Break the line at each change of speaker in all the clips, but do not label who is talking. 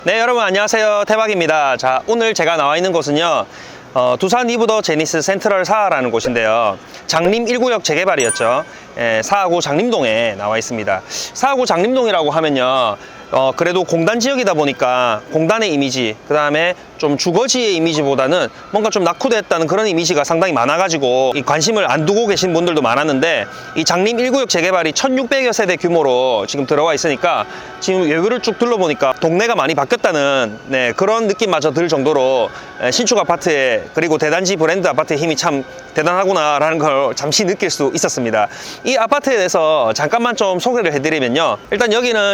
네, 여러분 안녕하세요. 태박입니다. 자, 오늘 제가 나와 있는 곳은요, 두산 이브더 제니스 센트럴 4라는 곳인데요. 장림 1구역 재개발이었죠. 사하구 장림동에 나와 있습니다. 사하구 장림동이라고 하면요, 그래도 공단 지역이다 보니까 공단의 이미지, 그 다음에 좀 주거지의 이미지보다는 뭔가 좀 낙후됐다는 그런 이미지가 상당히 많아가지고 이 관심을 안 두고 계신 분들도 많았는데, 이 장림 1구역 재개발이 1600여 세대 규모로 지금 들어와 있으니까 지금 외부를 쭉 둘러보니까 동네가 많이 바뀌었다는 그런 느낌마저 들 정도로 신축 아파트에, 그리고 대단지 브랜드 아파트의 힘이 참 대단하구나라는 걸 잠시 느낄 수 있었습니다. 이 아파트에 대해서 잠깐만 좀 소개를 해드리면요, 일단 여기는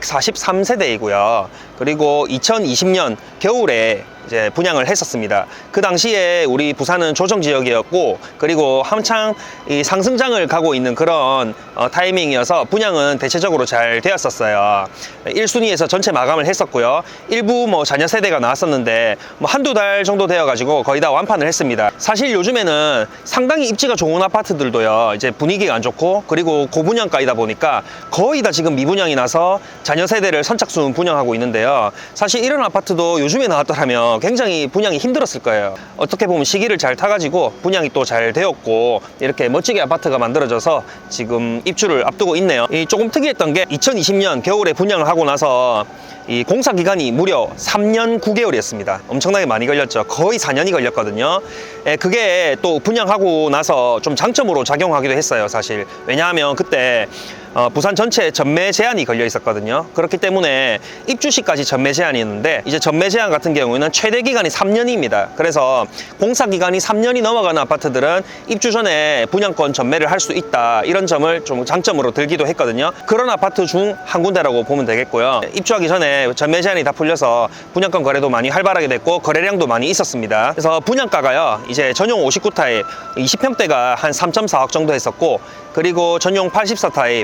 1643세대이고요 그리고 2020년 겨울에 이제 분양을 했었습니다. 그 당시에 우리 부산은 조정지역이었고, 그리고 한창 이 상승장을 가고 있는 그런 타이밍이어서 분양은 대체적으로 잘 되었었어요. 1순위에서 전체 마감을 했었고요. 일부 뭐 자녀 세대가 나왔었는데 뭐 한두 달 정도 되어가지고 거의 다 완판을 했습니다. 사실 요즘에는 상당히 입지가 좋은 아파트들도요, 이제 분위기가 안 좋고, 그리고 고분양가이다 보니까 거의 다 지금 미분양이 나서 자녀 세대를 선착순 분양하고 있는데요. 사실 이런 아파트도 요즘에 나왔더라면 굉장히 분양이 힘들었을 거예요. 어떻게 보면 시기를 잘 타가지고 분양이 또 잘 되었고, 이렇게 멋지게 아파트가 만들어져서 지금 입주를 앞두고 있네요. 조금 특이했던 게 2020년 겨울에 분양을 하고 나서 이 공사 기간이 무려 3년 9개월이었습니다. 엄청나게 많이 걸렸죠. 거의 4년이 걸렸거든요. 그게 또 분양하고 나서 좀 장점으로 작용하기도 했어요, 사실. 왜냐하면 그때 부산 전체 전매 제한이 걸려 있었거든요. 그렇기 때문에 입주시까지 전매 제한이었는데, 이제 전매 제한 같은 경우에는 최대 기간이 3년입니다. 그래서 공사 기간이 3년이 넘어가는 아파트들은 입주 전에 분양권 전매를 할 수 있다, 이런 점을 좀 장점으로 들기도 했거든요. 그런 아파트 중 한 군데라고 보면 되겠고요. 입주하기 전에 전매 제한이 다 풀려서 분양권 거래도 많이 활발하게 됐고, 거래량도 많이 있었습니다. 그래서 분양가가요, 이제 전용 59 타입 20평대가 한 3.4억 정도 했었고, 그리고 전용 84 타입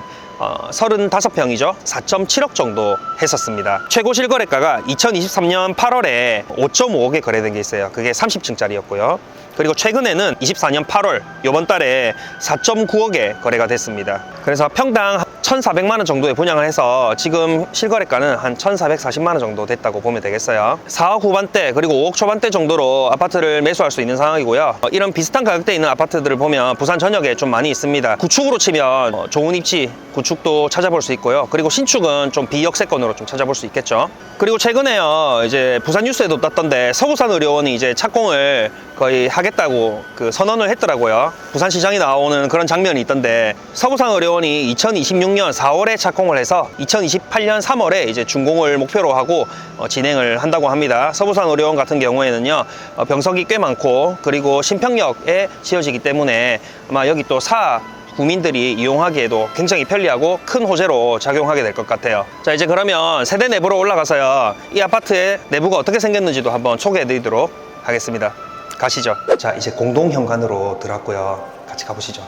35평이죠. 4.7억 정도 했었습니다. 최고 실거래가가 2023년 8월에 5.5억에 거래된 게 있어요. 그게 30층짜리였고요. 그리고 최근에는 24년 8월 요번 달에 4.9억에 거래가 됐습니다. 그래서 평당 1,400만 원 정도에 분양을 해서 지금 실거래가는 한 1,440만 원 정도 됐다고 보면 되겠어요. 4억 후반대 그리고 5억 초반대 정도로 아파트를 매수할 수 있는 상황이고요. 이런 비슷한 가격대에 있는 아파트들을 보면 부산 전역에 좀 많이 있습니다. 구축으로 치면 좋은 입지 구축도 찾아볼 수 있고요. 그리고 신축은 좀 비역세권으로 좀 찾아볼 수 있겠죠. 그리고 최근에요, 이제 부산 뉴스에도 떴던데 서구산의료원이 이제 착공을 거의 하겠다고 그 선언을 했더라고요. 부산시장이 나오는 그런 장면이 있던데, 서구산의료원이 2026년 4월에 착공을 해서 2028년 3월에 이제 준공을 목표로 하고 진행을 한다고 합니다. 서부산의료원 같은 경우에는요, 병석이 꽤 많고, 그리고 신평역에 지어지기 때문에 아마 여기 또 구민들이 이용하기에도 굉장히 편리하고 큰 호재로 작용하게 될 것 같아요. 자, 이제 그러면 세대 내부로 올라가서요, 이 아파트의 내부가 어떻게 생겼는지도 한번 소개해 드리도록 하겠습니다. 가시죠. 자, 이제 공동 현관으로 들어왔고요. 같이 가보시죠.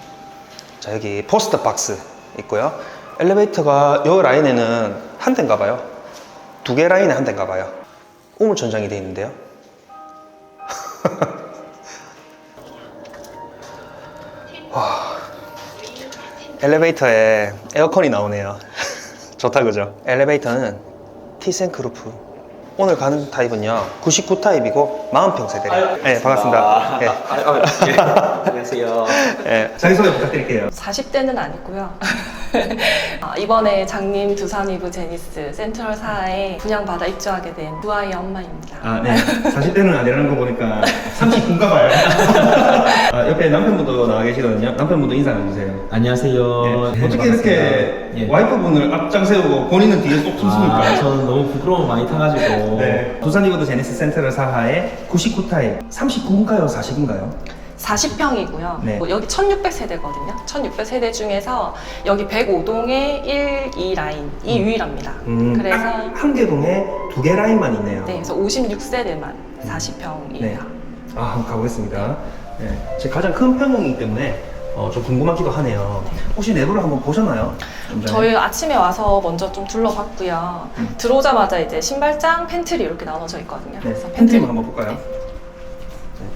자, 여기 포스트 박스 있고요. 엘리베이터가 이 라인에는 한 대인가 봐요. 두 개 라인에 한 대인가 봐요. 우물천장이 되어 있는데요. 와, 엘리베이터에 에어컨이 나오네요. 좋다, 그죠? 엘리베이터는 티센크루프. 오늘 가는 타입은요, 99 타입이고 40평 세대래요. 네, 반갑습니다. 네.
예. 안녕하세요.
네, 자기소개 부탁드릴게요.
40대는 아니고요. 이번에 장림 두산 이브 제니스 센트럴 4에 분양받아 입주하게 된 두 아이의 엄마입니다.
아, 네. 40대는 아니라는 거 보니까 39인가 봐요. 옆에 남편분도 나와 계시거든요. 남편분도 인사 나눠주세요.
안녕하세요.
네. 어떻게 이렇게
예.
와이프분을 앞장 세우고 본인은 뒤에 쏙 숨습니까?
저는 너무 부끄러움 많이 타가지고.
네. 두산 이브더 제니스 센트럴 4하에 99 타입 39인가요? 40인가요?
40평이고요.
네.
여기 1600세대거든요. 1600세대 중에서 여기 105동에 1, 2 라인이 유일합니다. 그래서
한 개동에 두 개 라인만 있네요.
네, 그래서 56세대만 40평이에요.
네. 아, 한번 가보겠습니다. 네. 제 가장 큰 평형이기 때문에 좀 궁금하기도 하네요. 혹시 내부를 한번 보셨나요? 좀 전에?
저희 아침에 와서 먼저 좀 둘러봤고요. 들어오자마자 이제 신발장, 팬트리 이렇게 나눠져 있거든요.
네.
그래서
팬트리 한번 볼까요?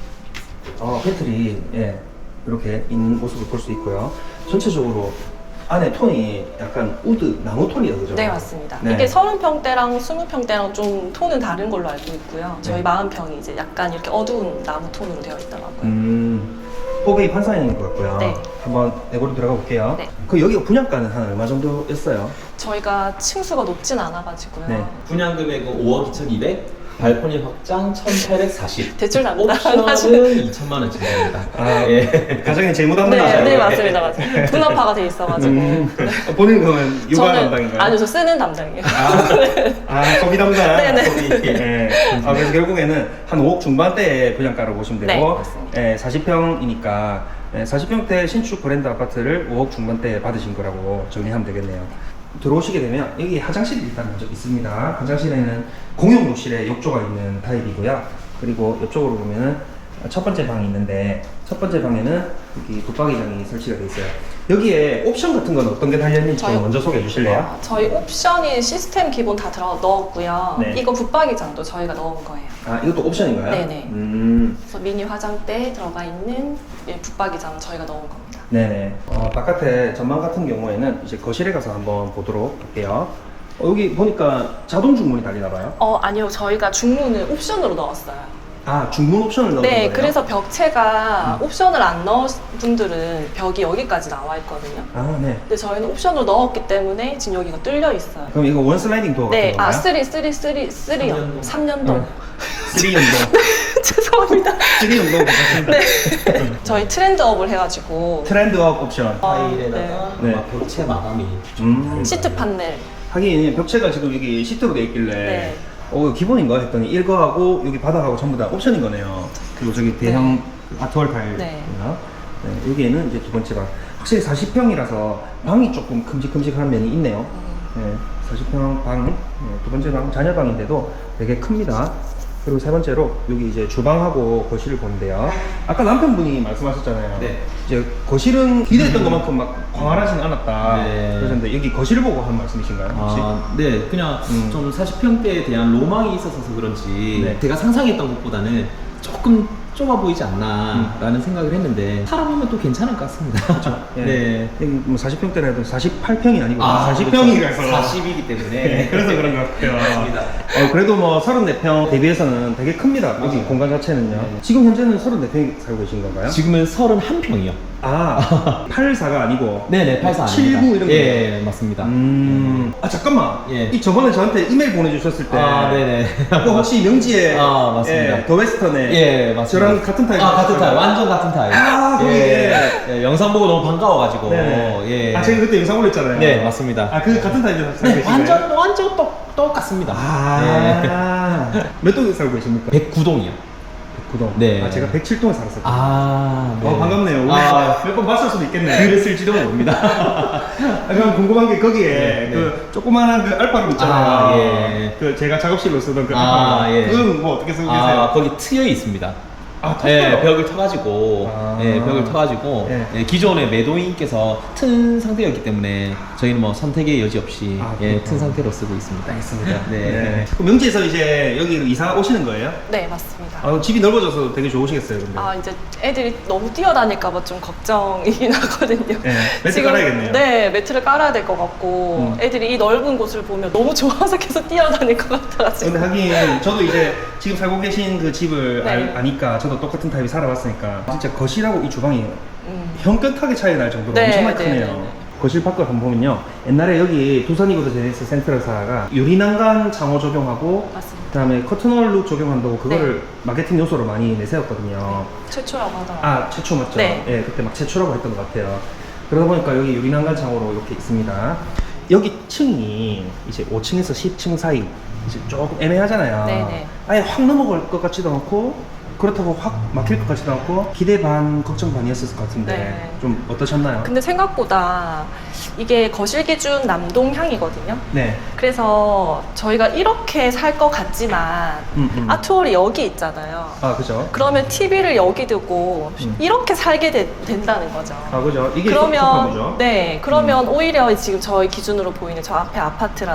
팬트리, 예, 이렇게 있는 모습을 볼 수 있고요. 전체적으로 안에 톤이 약간 우드 나무 톤이다 그죠?
네, 맞습니다.
네.
이게 30평대랑 20평대랑 좀 톤은 다른 걸로 알고 있고요. 저희
네.
40평이 이제 약간 이렇게 어두운 나무 톤으로 되어 있더라고요.
호베이 판사형인 것 같고요.
네.
한번 내고로 들어가 볼게요.
네.
그 여기가 분양가는 한 얼마 정도였어요?
저희가 층수가 높진 않아가지고요.
네.
분양 금액은 5억 2,200, 발코니 확장 1,840.
대출
옵션은
담당하시는
2천만 원 진행합니다.
아,
예.
가정의 재무
네,
담당이시죠?
네, 맞습니다. 맞습니다. 분업화가 돼 있어가지고.
본인 그러면 육아 담당인가요?
아니요, 저 쓰는 담당이에요.
소비 담당.
네네.
소비. 네. 그래서 결국에는 한 5억 중반대의 분양가로 보시면 되고,
네, 맞습니다.
40평이니까 40평대 신축 브랜드 아파트를 5억 중반대에 받으신 거라고 정리하면 되겠네요. 들어오시게 되면 여기 화장실이 일단 먼저 있습니다. 화장실에는 공용 욕실에 욕조가 있는 타입이고요. 그리고 옆쪽으로 보면은 첫 번째 방이 있는데 첫 번째 방에는 여기 붙박이장이 설치가 되어 있어요. 여기에 옵션 같은 건 어떤 게 달렸는지 좀
저희-
먼저 소개해 주실래요?
저희 옵션이 시스템 기본 다 넣었고요.
네.
이거 붙박이장도 저희가 넣은 거예요.
아, 이것도 옵션인가요?
네네.
음.
그래서 미니 화장대에 들어가 있는 붙박이장 저희가 넣은 겁니다.
네네. 바깥에 전망 같은 경우에는 이제 거실에 가서 한번 보도록 할게요. 여기 보니까 자동 중문이 달리나 봐요.
아니요. 저희가 중문을 옵션으로 넣었어요.
아, 중문 옵션을 넣은
네,
거예요?
그래서 벽체가 옵션을 안 넣은 분들은 벽이 여기까지 나와 있거든요.
아, 네.
근데 저희는 옵션으로 넣었기 때문에 지금 여기가 뚫려 있어요.
그럼 이거 원 슬라이딩 도어
네,
같은 건가요?
3년도. 3년도.
3연동.
죄송합니다.
3연동 괜찮습니다.
네. 저희 트렌드업을 해가지고
트렌드업 옵션.
타일에다가
네.
아마 벽체 마감이
시트 판넬.
하긴 벽체가 지금 여기 시트로 돼 있길래
네.
이거 기본인가 했더니 일거하고 여기 바닥하고 전부 다 옵션인 거네요. 그리고 저기 대형 아트월 타일.
네.
네, 여기에는 이제 두 번째 방. 확실히 40평이라서 방이 조금 큼직큼직한 면이 있네요. 네, 40평 방, 네, 두 번째 방 자녀방인데도 되게 큽니다. 그리고 세 번째로 여기 이제 주방하고 거실을 보는데요. 아까 남편분이 말씀하셨잖아요.
네.
이제 거실은 기대했던 것만큼 막 광활하진 않았다.
네.
그러셨는데 여기 거실을 보고 한 말씀이신가요? 혹시?
네, 그냥 좀 40평대에 대한 로망이 있어서 그런지
네.
제가 상상했던 것보다는 조금 좁아 보이지 않나라는 생각을 했는데 살아보면 또 괜찮을 것 같습니다.
예.
네.
여기 뭐 40평대라 해도 48평이 아니고
그렇죠.
40평이라서
40이기 때문에
그래서 그런 것 같아요.
맞습니다.
그래도 뭐 34평 대비해서는 되게 큽니다. 여기
맞아요.
공간 자체는요.
네.
지금 현재는 34평 살고 계신 건가요?
지금은 31평이요.
아, 84가 아니고
네네, 84 아닙니다.
79 이런 거.
예, 맞습니다.
아, 잠깐만.
예.
이 저번에 저한테 이메일 보내주셨을 때.
네네.
그 혹시 명지에.
맞습니다.
예, 더 웨스턴에.
예, 맞습니다.
저랑 같은 타입.
같은 타입. 완전 같은 타입.
거기에.
영상 보고 너무 반가워가지고.
네네.
예.
제가 그때 영상 올렸잖아요.
네, 맞습니다.
그 같은 타입에서 살고
네,
계신가요?
완전 똑같습니다.
몇 동에 살고 계십니까?
109동이요.
109동.
네.
제가 107동에 살았었거든요.
네.
반갑네요. 몇 번 봤을 수도 있겠네요.
그랬을지도 모릅니다.
그럼 궁금한 게 거기에
네,
그 조그마한 그 알파룸 있잖아요.
예.
그 제가 작업실로 쓰던 그 알파룸.
예.
그건 뭐 어떻게 쓰고 계세요?
거기 트여 있습니다.
텄어요?
벽을 터가지고, 벽을 터가지고, 기존의 매도인께서 튼 상태였기 때문에 저희는 뭐 선택의 여지 없이 튼 상태로 쓰고 있습니다.
알겠습니다.
네.
그럼 명지에서 이제 여기로 이사 오시는 거예요?
네, 맞습니다.
집이 넓어져서 되게 좋으시겠어요, 근데.
이제 애들이 너무 뛰어다닐까봐 좀 걱정이긴 하거든요.
네, 매트 깔아야겠네요.
네, 매트를 깔아야 될 것 같고, 애들이 이 넓은 곳을 보면 너무 좋아서 계속 뛰어다닐 것 같아가지고.
근데 하긴 저도 이제 지금 살고 계신 그 집을
네.
아니까 저도 똑같은 타입이 살아봤으니까 진짜 거실하고 이 주방이 현격하게 차이 날 정도로
네,
엄청나게
네,
크네요.
네, 네.
거실 밖을 한번 보면요. 옛날에 여기 두산이고도 제네시스 센트럴사가 유리난간 창호 적용하고
맞습니다.
그다음에 커튼홀 룩 적용한다고 그거를 마케팅 요소로 많이 내세웠거든요.
최초라고 하더라고요.
최초 맞죠?
네.
예, 그때 막 최초라고 했던 것 같아요. 그러다 보니까 여기 유리난간 창호로 이렇게 있습니다. 여기 층이 이제 5층에서 10층 사이 이제 조금 애매하잖아요.
네네.
아예 확 넘어갈 것 같지도 않고 그렇다고 확 막힐 것 같지도 않고 기대 반 걱정 반이었을 것 같은데
네.
좀 어떠셨나요?
근데 생각보다 이게 거실 기준 남동향이거든요.
네.
그래서 저희가 이렇게 살 것 같지만 아트홀이 여기 있잖아요.
그죠.
그러면 TV를 여기 두고 이렇게 살게 된다는 거죠.
그죠. 이게
그러면 그러면 오히려 지금 저희 기준으로 보이는 저 앞에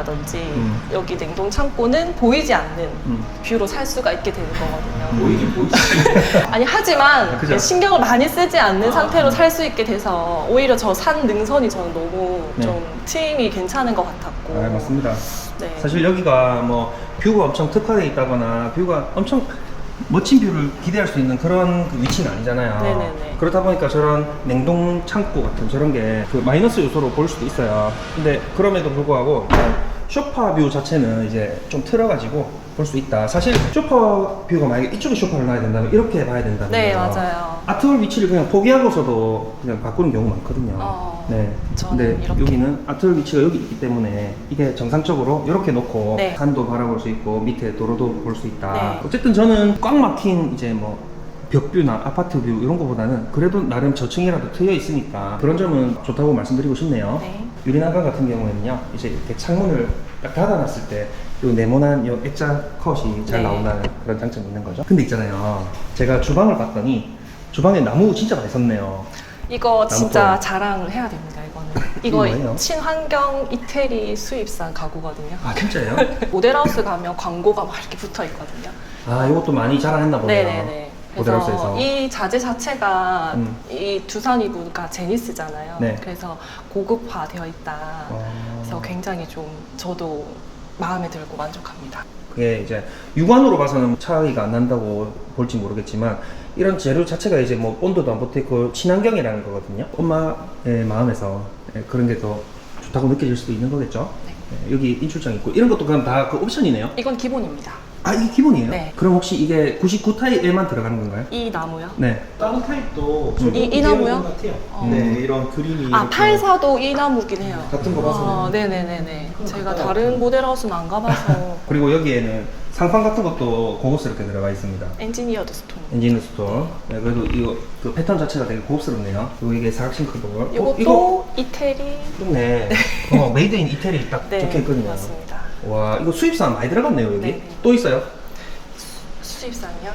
아파트라든지 여기 냉동 창고는 보이지 않는 뷰로 살 수가 있게 되는 거거든요.
보이긴 보이죠.
아니 하지만
그죠?
신경을 많이 쓰지 않는 상태로 살 수 있게 돼서 오히려 저 산 능선이 저는 너무
네.
좀 트임이 괜찮은 것 같았고.
아, 맞습니다.
네.
사실 여기가 뭐 뷰가 엄청 특화되어 있다거나 뷰가 엄청 멋진 뷰를 기대할 수 있는 그런 그 위치는 아니잖아요.
네네네.
그렇다 보니까 저런 냉동 창고 같은 저런 게 그 마이너스 요소로 볼 수도 있어요. 근데 그럼에도 불구하고 쇼파 뷰 자체는 이제 좀 틀어가지고 볼 수 있다. 사실 쇼파 뷰가 만약에 이쪽에 쇼파를 놔야 된다면 이렇게 봐야 된다면
네, 맞아요.
아트홀 위치를 그냥 포기하고서도 그냥 바꾸는 경우가 많거든요. 네.
저는
근데
이렇게.
여기는 아트홀 위치가 여기 있기 때문에 이게 정상적으로 이렇게 놓고
네.
산도 바라볼 수 있고 밑에 도로도 볼 수 있다.
네.
어쨌든 저는 꽉 막힌 이제 뭐 벽뷰나 아파트 뷰 이런 거보다는 그래도 나름 저층이라도 트여 있으니까 그런 점은 좋다고 말씀드리고 싶네요.
네.
유리난간 같은 경우에는요, 이제 이렇게 창문을 딱 닫아놨을 때 요 네모난 요 액자 컷이 잘
네.
나온다는 그런 장점이 있는 거죠. 근데 있잖아요, 제가 주방을 봤더니 주방에 나무 진짜 많이 섰네요.
이거 진짜
나무토.
자랑을 해야 됩니다. 이거는.
이게 뭐예요?
이거 친환경 이태리 수입산 가구거든요.
아 진짜요?
모델하우스 가면 광고가 막 이렇게 붙어 있거든요.
아 이것도 많이 자랑했나 보네요.
네네네.
모델하우스에서.
그래서 이 자재 자체가
음.
이 두산 이브가 제니스잖아요.
네.
그래서 고급화되어 있다. 그래서 굉장히 좀 저도 마음에 들고 만족합니다.
그게 이제 육안으로 봐서는 차이가 안 난다고 볼지 모르겠지만 이런 재료 자체가 이제 뭐 온도도 안 붙어있고 친환경이라는 거거든요. 엄마의 마음에서 그런 게 더 좋다고 느껴질 수도 있는 거겠죠.
네.
여기 인출장 있고 이런 것도 그럼 다 그 옵션이네요.
이건 기본입니다.
아 이게 기본이에요?
네.
그럼 혹시 이게 99타입에만 들어가는 건가요?
이 나무요?
네.
다른 타입도
이 나무요?
같아요.
어.
네, 이런 그림이
아,
이렇게
84도 이 나무긴 해요.
같은 거 봐서는
아, 네네네네. 제가 다른 모델하우스는 안 가봐서.
그리고 여기에는 상판 같은 것도 고급스럽게 들어가 있습니다.
엔지니어드 스톤.
엔진 스토어. 네, 그래도 이거 그 패턴 자체가 되게 고급스럽네요. 그리고 이게 사각싱 크돌.
이것도
이거
이태리.
좋네. 메이드 인 이태리 딱
네,
적혀 있거든요.
맞습니다.
와, 이거 수입산 많이 들어갔네요, 여기.
네.
또 있어요?
수입산이요?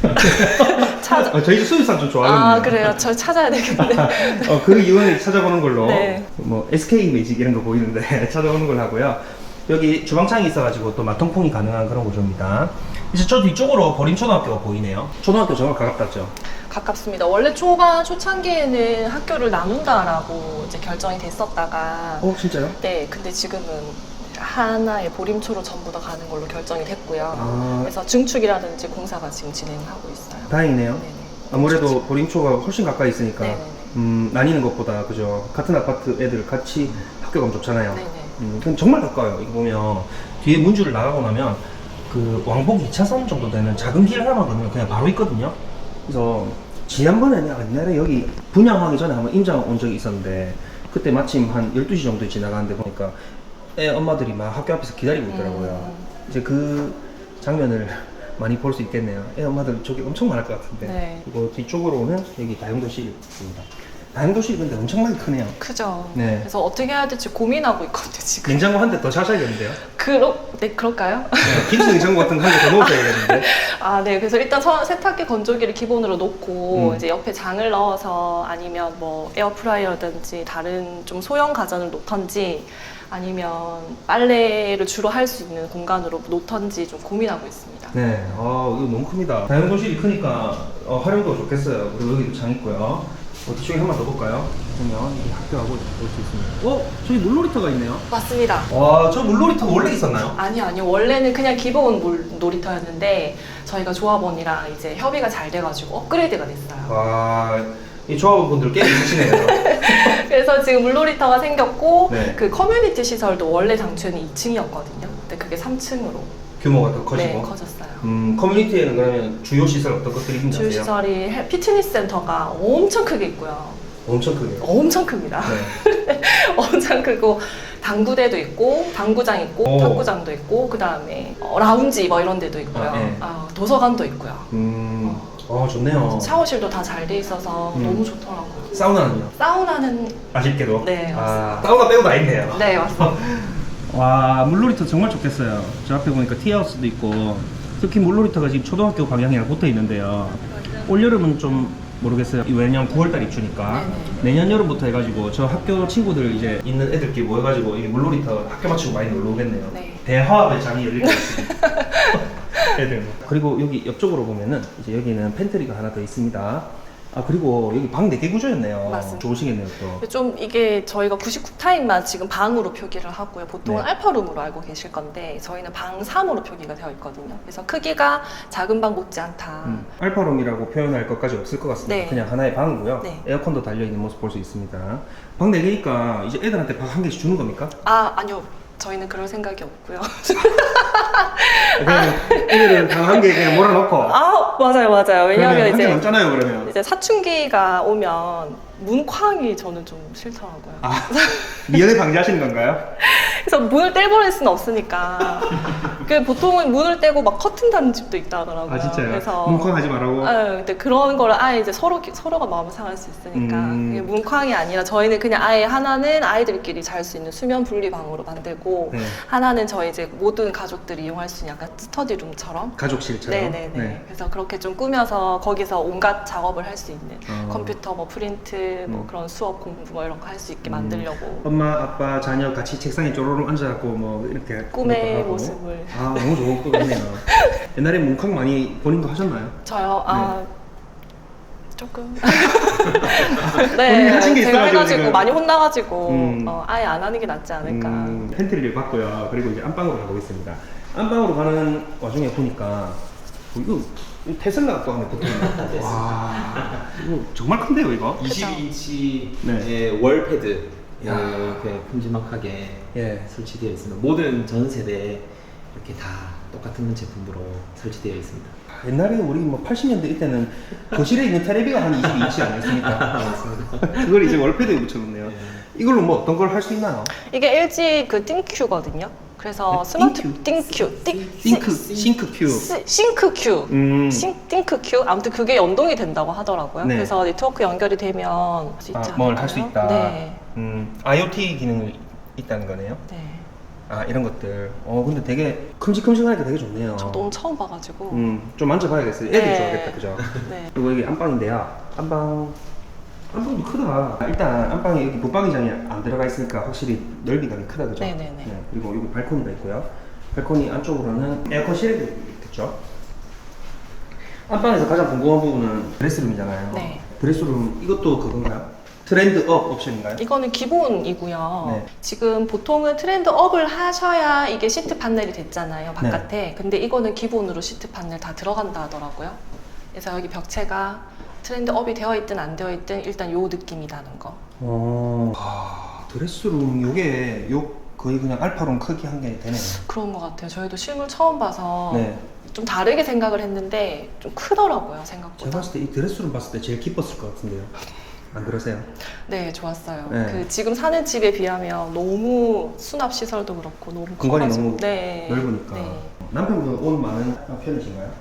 찾아.
저희 수입산 좀 좋아하거든요.
아, 그래요? 저 찾아야 되겠는데.
그 이유는 찾아보는 걸로.
네.
뭐 SK 매직 이런 거 보이는데 찾아보는 걸 하고요. 여기 주방창이 있어가지고 또 마통풍이 가능한 그런 구조입니다. 이제 저 뒤쪽으로 보림초등학교가 보이네요. 초등학교 정말 가깝다죠.
가깝습니다. 원래 초창기에는 학교를 나눈다라고 이제 결정이 됐었다가
진짜요?
네, 근데 지금은 하나의 보림초로 전부 다 가는 걸로 결정이 됐고요.
아.
그래서 증축이라든지 공사가 지금 진행하고 있어요.
다행이네요.
네네.
아무래도 보림초가 훨씬 가까이 있으니까
네네네.
나뉘는 것보다 그죠. 같은 아파트 애들 같이 학교 가면 좋잖아요.
네네.
그럼 정말 가까워요. 이거 보면 뒤에 문줄을 나가고 나면 그 왕복 2차선 정도 되는 작은 길 하나만 건너면 그냥 바로 있거든요. 그래서 지난번에 내가 옛날에 여기 분양하기 전에 한번 임장 온 적이 있었는데 그때 마침 한 12시 정도에 지나가는데 보니까 애 엄마들이 막 학교 앞에서 기다리고 있더라고요. 이제 그 장면을 많이 볼 수 있겠네요. 애 엄마들 저기 엄청 많을 것 같은데.
네.
그리고 뒤쪽으로는 여기 다용도실이 있습니다. 다용도실이 근데 엄청나게 크네요.
크죠.
네.
그래서 어떻게 해야 될지 고민하고 있거든요, 지금.
냉장고 한 대 더 사셔야겠는데요?
네, 그럴까요?
김치 냉장고 같은 거 한 개 더 넣으셔야겠는데.
아, 네. 그래서 일단 세탁기 건조기를 기본으로 놓고 이제 옆에 장을 넣어서 아니면 뭐 에어프라이어든지 다른 좀 소형 가전을 놓던지 아니면 빨래를 주로 할 수 있는 공간으로 놓던지 좀 고민하고 있습니다.
네, 이거 너무 큽니다. 다용도실이 크니까 활용도가 좋겠어요. 그리고 여기도 장 있고요. 뒤쪽에 한번 더 볼까요? 그러면 이 학교하고 볼 수 있습니다. 저기 물놀이터가 있네요.
맞습니다.
와, 저 물놀이터가 원래 있었나요?
아니요. 원래는 그냥 기본 놀이터였는데 저희가 조합원이랑 이제 협의가 잘 돼가지고 업그레이드가 됐어요.
와, 이 조합원분들 꽤 있으시네요.
그래서 지금 물놀이터가 생겼고
네.
그 커뮤니티 시설도 원래 당초에는 2층이었거든요. 근데 그게 3층으로
규모가 더 커지고.
네, 커졌어요.
커뮤니티에는 그러면 주요 시설 어떤 것들이 있나요?
주요 시설이 피트니스 센터가 엄청 크게 있고요.
엄청 크네요.
엄청 큽니다.
네.
엄청 크고 당구대도 있고 당구장 있고
오.
탁구장도 있고 그 다음에 라운지 뭐 이런 데도 있고요.
네.
도서관도 있고요.
좋네요.
샤워실도 다 잘 돼 있어서 너무 좋더라고요.
사우나는요?
사우나는
아쉽게도.
네, 맞습니다.
사우나 빼고 다 있네요.
네 맞습니다.
와, 물놀이터 정말 좋겠어요. 저 앞에 보니까 티하우스도 있고 특히 물놀이터가 지금 초등학교 방향이랑 붙어 있는데요. 올여름은 좀 모르겠어요. 왜냐면 9월달 입주니까
네네.
내년 여름부터 해가지고 저 학교 친구들 이제 있는 애들끼리 모여가지고 이 물놀이터 학교 마치고 많이 놀러 오겠네요.
네.
대화합의 장이 열릴 것 같습니다. 애들. 그리고 여기 옆쪽으로 보면은 이제 여기는 팬트리가 하나 더 있습니다. 아 그리고 여기 방 4개 구조였네요.
맞습니다.
좋으시겠네요 또.
좀 이게 저희가 99타입만 지금 방으로 표기를 하고요. 보통은
네.
알파룸으로 알고 계실 건데 저희는 방 3으로 표기가 되어 있거든요. 그래서 크기가 작은 방 못지않다.
알파룸이라고 표현할 것까지 없을 것 같습니다.
네.
그냥 하나의 방이고요.
네.
에어컨도 달려있는 모습 볼 수 있습니다. 방 4개니까 이제 애들한테 방 한 개씩 주는 겁니까?
아, 아니요. 저희는 그럴 생각이 없고요.
그냥 애들은 방 한 개 그냥 몰아넣고.
아, 맞아요. 왜냐하면
한개
이제
남잖아요 그러면.
이제 사춘기가 오면 문쾅이 저는 좀 싫더라고요.
아 미연에 방지하시는 건가요?
그래서 문을 떼버릴 수는 없으니까. 그 보통은 문을 떼고 막 커튼 다는 집도 있다 하더라고요.
아 진짜요?
그래서
문쾅하지 말라고?
근데 그런 거를 아예 이제 서로가 마음을 상할 수 있으니까 그게 문쾅이 아니라 저희는 그냥 아예 하나는 아이들끼리 잘 수 있는 수면 분리 방으로 만들고
네.
하나는 저희 이제 모든 가족들이 이용할 수 있는 약간 스터디룸처럼
가족실처럼.
네네네.
네.
그래서 그렇게 좀 꾸며서 거기서 온갖 작업을 할 수 있는
어.
컴퓨터 뭐 프린트 뭐 그런 수업 공부 뭐 이런 거 할 수 있게 만들려고
엄마, 아빠, 자녀 같이 책상에 쪼로록 앉아갖고 뭐 이렇게
꿈의
하고.
모습을.
아 너무 좋은 꿈이네요. 옛날에 문캉 많이 본인도 하셨나요?
저요? 조금.
본인이
네,
하신 게
제가
있어가지고
해가지고
지금.
많이 혼나가지고
음.
아예 안 하는 게 낫지 않을까.
팬트리를 봤고요. 그리고 이제 안방으로 가보겠습니다. 안방으로 가는 와중에 보니까 이거 테슬라 또 안에 붙어있네. 와 이거 정말 큰데요 이거?
22인치의
네.
월패드
야.
이렇게 큼지막하게
예.
설치되어 있습니다. 모든 전 세대에 이렇게 다 똑같은 제품으로 설치되어 있습니다.
옛날에 우리 뭐 80년대 이때는 거실에 있는 테레비가 한 22인치 아니었습니까?
맞습니다.
그걸 이제 월패드에 붙여놓네요. 이걸로 뭐 어떤 걸 할 수 있나요?
이게 LG 그 띵큐거든요. 그래서
네,
스마트
띵큐?
띵큐
싱크큐.
싱크큐 띵크큐 아무튼 그게 연동이 된다고 하더라고요.
네.
그래서 네트워크 연결이 되면 할 수 있지
뭘 할 수
않을까요?
있다.
네.
IoT 기능이 있다는 거네요.
네.
아 이런 것들. 근데 되게 큼직큼직하니까 되게 좋네요.
저도 오늘 처음 봐가지고.
좀 만져봐야겠어요. 애들
네.
좋아하겠다, 그죠?
네.
그리고 여기 안방인데요. 안방도 크다. 일단 안방에 여기 붙박이장이 안 들어가 있으니까 확실히 넓이가 크다, 그죠?
네네네.
네, 그리고 여기 발코니가 있고요. 발코니 안쪽으로는 에어컨 실외도 있겠죠? 안방에서 가장 궁금한 부분은 드레스룸이잖아요.
네.
드레스룸 이것도 그건가요? 트렌드업 옵션인가요?
이거는 기본이고요.
네.
지금 보통은 트렌드업을 하셔야 이게 시트 판넬이 됐잖아요, 바깥에.
네.
근데 이거는 기본으로 시트 판넬 다 들어간다 하더라고요. 그래서 여기 벽체가 트렌드업이 되어 있든 안 되어 있든 일단 요 느낌이 나는 거.
드레스룸 요게 거의 그냥 알파룸 크기 한 개 되네요.
그런 것 같아요. 저희도 실물 처음 봐서
네.
좀 다르게 생각을 했는데 좀 크더라고요,
제가
생각보다.
봤을 때 이 드레스룸 봤을 때 제일 기뻤을 것 같은데요. 안 그러세요?
네, 좋았어요.
네.
그 지금 사는 집에 비하면 너무 수납 시설도 그렇고 너무
공간이
커가지고.
너무
네.
넓으니까.
네.
남편분 옷 많은 편이신가요?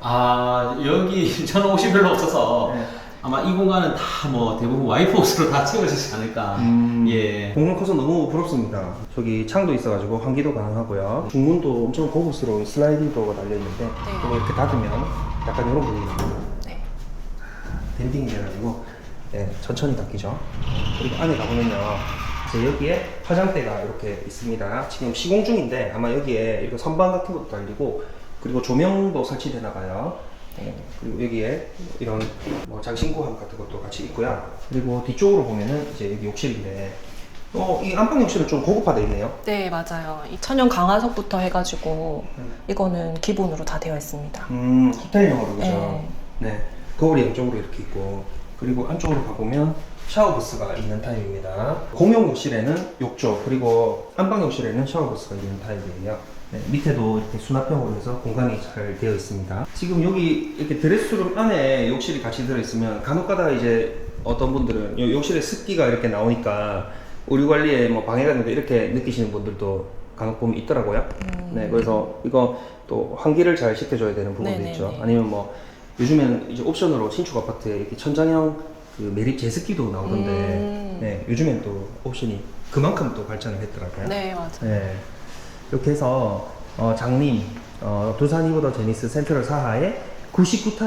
여기 저는 옷이 별로 없어서
네.
아마 이 공간은 다 뭐 대부분 와이프 옷으로 다 채워지지 않을까. 예.
공간 커서 너무 부럽습니다. 저기 창도 있어가지고 환기도 가능하고요. 중문도 엄청 고급스러운 슬라이딩 도어가 달려있는데 이거 이렇게 닫으면 약간 이런 분위기입니다.
네.
밴딩이 돼가지고 네, 천천히 닫히죠. 그리고 안에 가보면요. 이제 여기에 화장대가 이렇게 있습니다. 지금 시공 중인데 아마 여기에 이렇게 선반 같은 것도 달리고 그리고 조명도 설치되나 봐요. 네, 그리고 여기에 이런 뭐 장신구함 같은 것도 같이 있고요. 그리고 뒤쪽으로 보면은 이제 여기 욕실인데 이 안방 욕실은 좀 고급화되어 있네요.
네, 맞아요. 이 천연 강화석부터 해가지고 이거는 기본으로 다 되어 있습니다.
호텔형으로 그죠?
네.
네. 거울이 양쪽으로 이렇게 있고 그리고 안쪽으로 가보면 샤워 부스가 있는 타입입니다. 공용 욕실에는 욕조 그리고 안방 욕실에는 샤워 부스가 있는 타입이에요. 네, 밑에도 이렇게 수납형으로 해서 공간이 잘 되어 있습니다. 지금 여기 이렇게 드레스룸 안에 욕실이 같이 들어있으면 간혹가다 이제 어떤 분들은 이 욕실에 습기가 이렇게 나오니까 의류 관리에 뭐 방해가 된다 이렇게 느끼시는 분들도 간혹 보면 있더라고요. 네, 그래서 이거 또 환기를 잘 시켜줘야 되는 부분도
네네네.
있죠. 아니면 뭐 요즘엔 이제 옵션으로 신축 아파트에 이렇게 천장형 그 매립 제습기도 나오던데 네, 요즘엔 또 옵션이 그만큼 또 발전을 했더라고요.
네, 맞아요.
네. 이렇게 해서 장림 두산 이브더 제니스 센트럴 사하의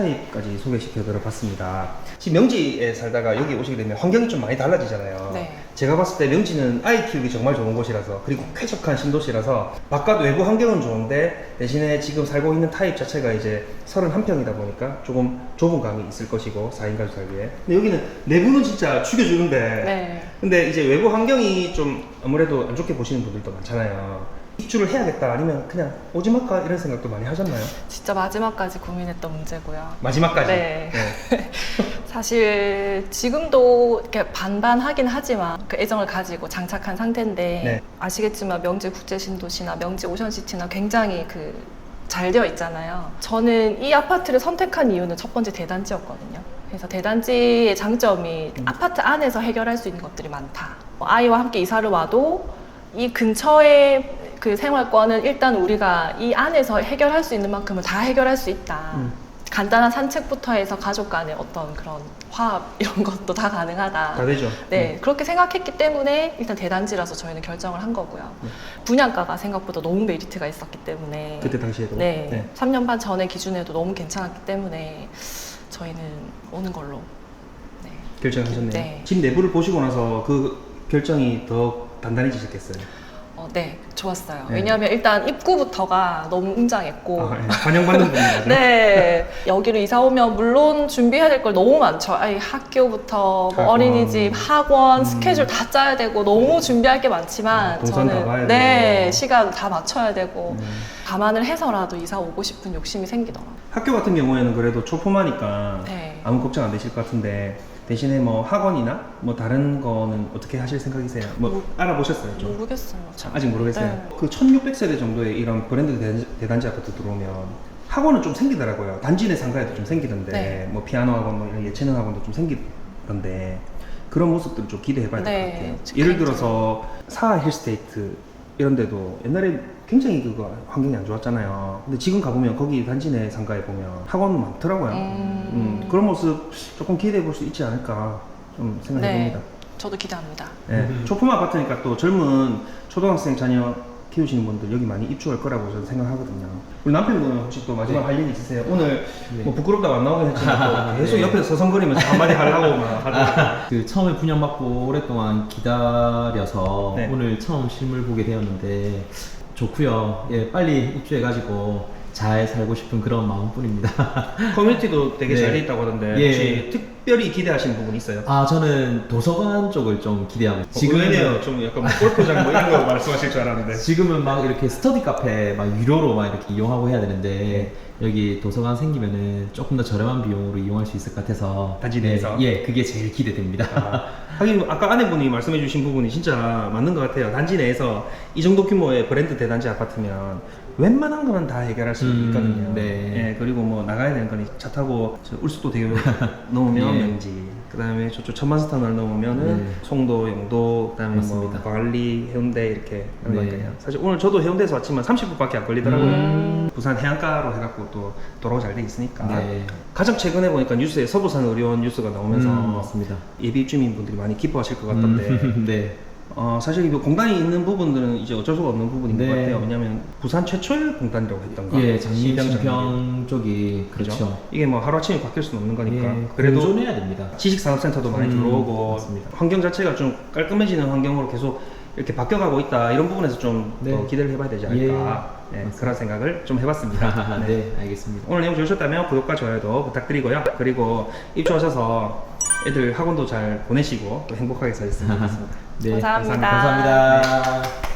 99타입까지 소개시켜 드려 봤습니다. 지금 명지에 살다가 여기 오시게 되면 환경이 좀 많이 달라지잖아요.
네.
제가 봤을 때 명지는 아이 키우기 정말 좋은 곳이라서, 그리고 쾌적한 신도시라서 바깥 외부 환경은 좋은데 대신에 지금 살고 있는 타입 자체가 이제 31평이다 보니까 조금 좁은 감이 있을 것이고 4인 가족 살기에. 근데 여기는 내부는 진짜 죽여주는데
네.
근데 이제 외부 환경이 좀 아무래도 안 좋게 보시는 분들도 많잖아요. 입주를 해야겠다 아니면 그냥 오지 말까 이런 생각도 많이 하셨나요?
진짜 마지막까지 고민했던 문제고요.
마지막까지?
네. 사실 지금도 이렇게 반반하긴 하지만 그 애정을 가지고 장착한 상태인데
네.
아시겠지만 명지 국제신도시나 명지 오션시티나 굉장히 잘 되어 있잖아요. 저는 이 아파트를 선택한 이유는 첫 번째 대단지였거든요. 그래서 대단지의 장점이 아파트 안에서 해결할 수 있는 것들이 많다. 아이와 함께 이사를 와도 이 근처에 그 생활권은 일단 우리가 이 안에서 해결할 수 있는 만큼은 다 해결할 수 있다. 간단한 산책부터 해서 가족 간의 어떤 그런 화합 이런 것도 다 가능하다.
다 되죠.
네, 그렇게 생각했기 때문에 일단 대단지라서 저희는 결정을 한 거고요. 분양가가 생각보다 너무 메리트가 있었기 때문에
그때 당시에도.
네, 3년 반 전의 기준에도 너무 괜찮았기 때문에 저희는 오는 걸로 네.
결정하셨네요.
네.
집 내부를 보시고 나서 그 결정이 더 단단해지셨겠어요.
네, 좋았어요.
네.
왜냐하면 일단 입구부터가 너무 웅장했고
아, 네. 반영받는 분이죠.
네, 여기로 이사 오면 물론 준비해야 될 걸 너무 많죠. 아이 학교부터 뭐
학원.
어린이집, 학원, 스케줄 다 짜야 되고 너무 준비할 게 많지만
동선 다 봐야
네,
되고.
시간 다 맞춰야 되고 감안을 해서라도 이사 오고 싶은 욕심이 생기더라고요.
학교 같은 경우에는 그래도 초포마니까
네.
아무 걱정 안 되실 것 같은데 대신에 뭐 학원이나 뭐 다른 거는 어떻게 하실 생각이세요? 뭐 알아보셨어요? 좀?
모르겠어요. 참.
아직 모르겠어요.
네.
그 1600세대 정도의 이런 브랜드 대단지 아파트 들어오면 학원은 좀 생기더라고요. 단지 내 상가에도 좀 생기던데
네.
뭐 피아노 학원, 뭐 이런 예체능 학원도 좀 생기던데 그런 모습들을 좀 기대해봐야 될 것
네,
같아요.
저
예를
굉장히.
들어서 사하 힐스테이트 이런 데도 옛날에 굉장히 그거 환경이 안 좋았잖아요. 근데 지금 가보면 거기 단지 내 상가에 보면 학원 많더라고요. 그런 모습 조금 기대해 볼 수 있지 않을까 좀 생각해
네,
봅니다.
저도 기대합니다.
네, 초품 아파트니까 또 젊은 초등학생 자녀 키우시는 분들 여기 많이 입주할 거라고 저는 생각하거든요. 우리 남편분은 혹시 또 마지막 할 얘기 있으세요? 오늘 뭐 부끄럽다고 안 나오긴 했지만 또 계속 옆에서 서성거리면서 한마디 하려고 막 하더라고요.
그 처음에 분양받고 오랫동안 기다려서
네.
오늘 처음 실물 보게 되었는데 좋고요. 예, 빨리 입주해가지고 잘 살고 싶은 그런 마음뿐입니다.
커뮤니티도 되게
네.
잘 돼 있다고 하던데
예.
혹시 특별히 기대하시는 부분 있어요?
아, 저는 도서관 쪽을 좀 기대하고
지금은 좀 약간 뭐 골프장 뭐 이런 거 말씀하실 줄 알았는데
지금은 막 이렇게 스터디 카페 막 유료로 막 이렇게 이용하고 해야 되는데 여기 도서관 생기면은 조금 더 저렴한 비용으로 이용할 수 있을 것 같아서
단지 내에서?
예, 그게 제일 기대됩니다.
하긴 아까 아내분이 말씀해주신 부분이 진짜 맞는 것 같아요. 단지 내에서 이 정도 규모의 브랜드 대단지 아파트면 웬만한 거는 다 해결할 수 있거든요.
네.
예, 그리고 뭐 나가야 되는 거니 차 타고 저 울수도 대교 넘으면
예.
명지, 그다음에 저쪽 천만스탄을 넘으면은
네.
송도, 영도, 그다음에
맞습니다.
뭐 광안리, 해운대 이렇게 하는
네.
거니까요. 사실 오늘 저도 해운대에서 왔지만 30분밖에 안 걸리더라고요. 부산 해안가로 해갖고 또 도로가 잘 돼 있으니까.
네.
가장 최근에 보니까 뉴스에 서부산 의료원 뉴스가 나오면서
맞습니다.
예비 입주민분들이 많이 기뻐하실 것 같던데
네.
사실 이거 공단이 있는 부분들은 이제 어쩔 수가 없는 부분인
네.
것 같아요. 왜냐하면 부산 최초의 공단이라고 했던가.
예, 장림
신병
신평 쪽이 그렇죠.
이게 뭐 하루아침에 바뀔 수는 없는 거니까.
예,
그래도
공존해야 됩니다.
지식산업센터도 많이 들어오고
맞습니다.
환경 자체가 좀 깔끔해지는 환경으로 계속 이렇게 바뀌어가고 있다. 이런 부분에서 좀
네.
더 기대를 해봐야 되지 않을까. 네, 그런 생각을 좀 해봤습니다.
네, 알겠습니다.
오늘 내용 좋으셨다면 구독과 좋아요도 부탁드리고요. 그리고 입주하셔서 애들 학원도 잘 보내시고 또 행복하게 사셨으면 좋겠습니다.
네,
감사합니다.
감사합니다.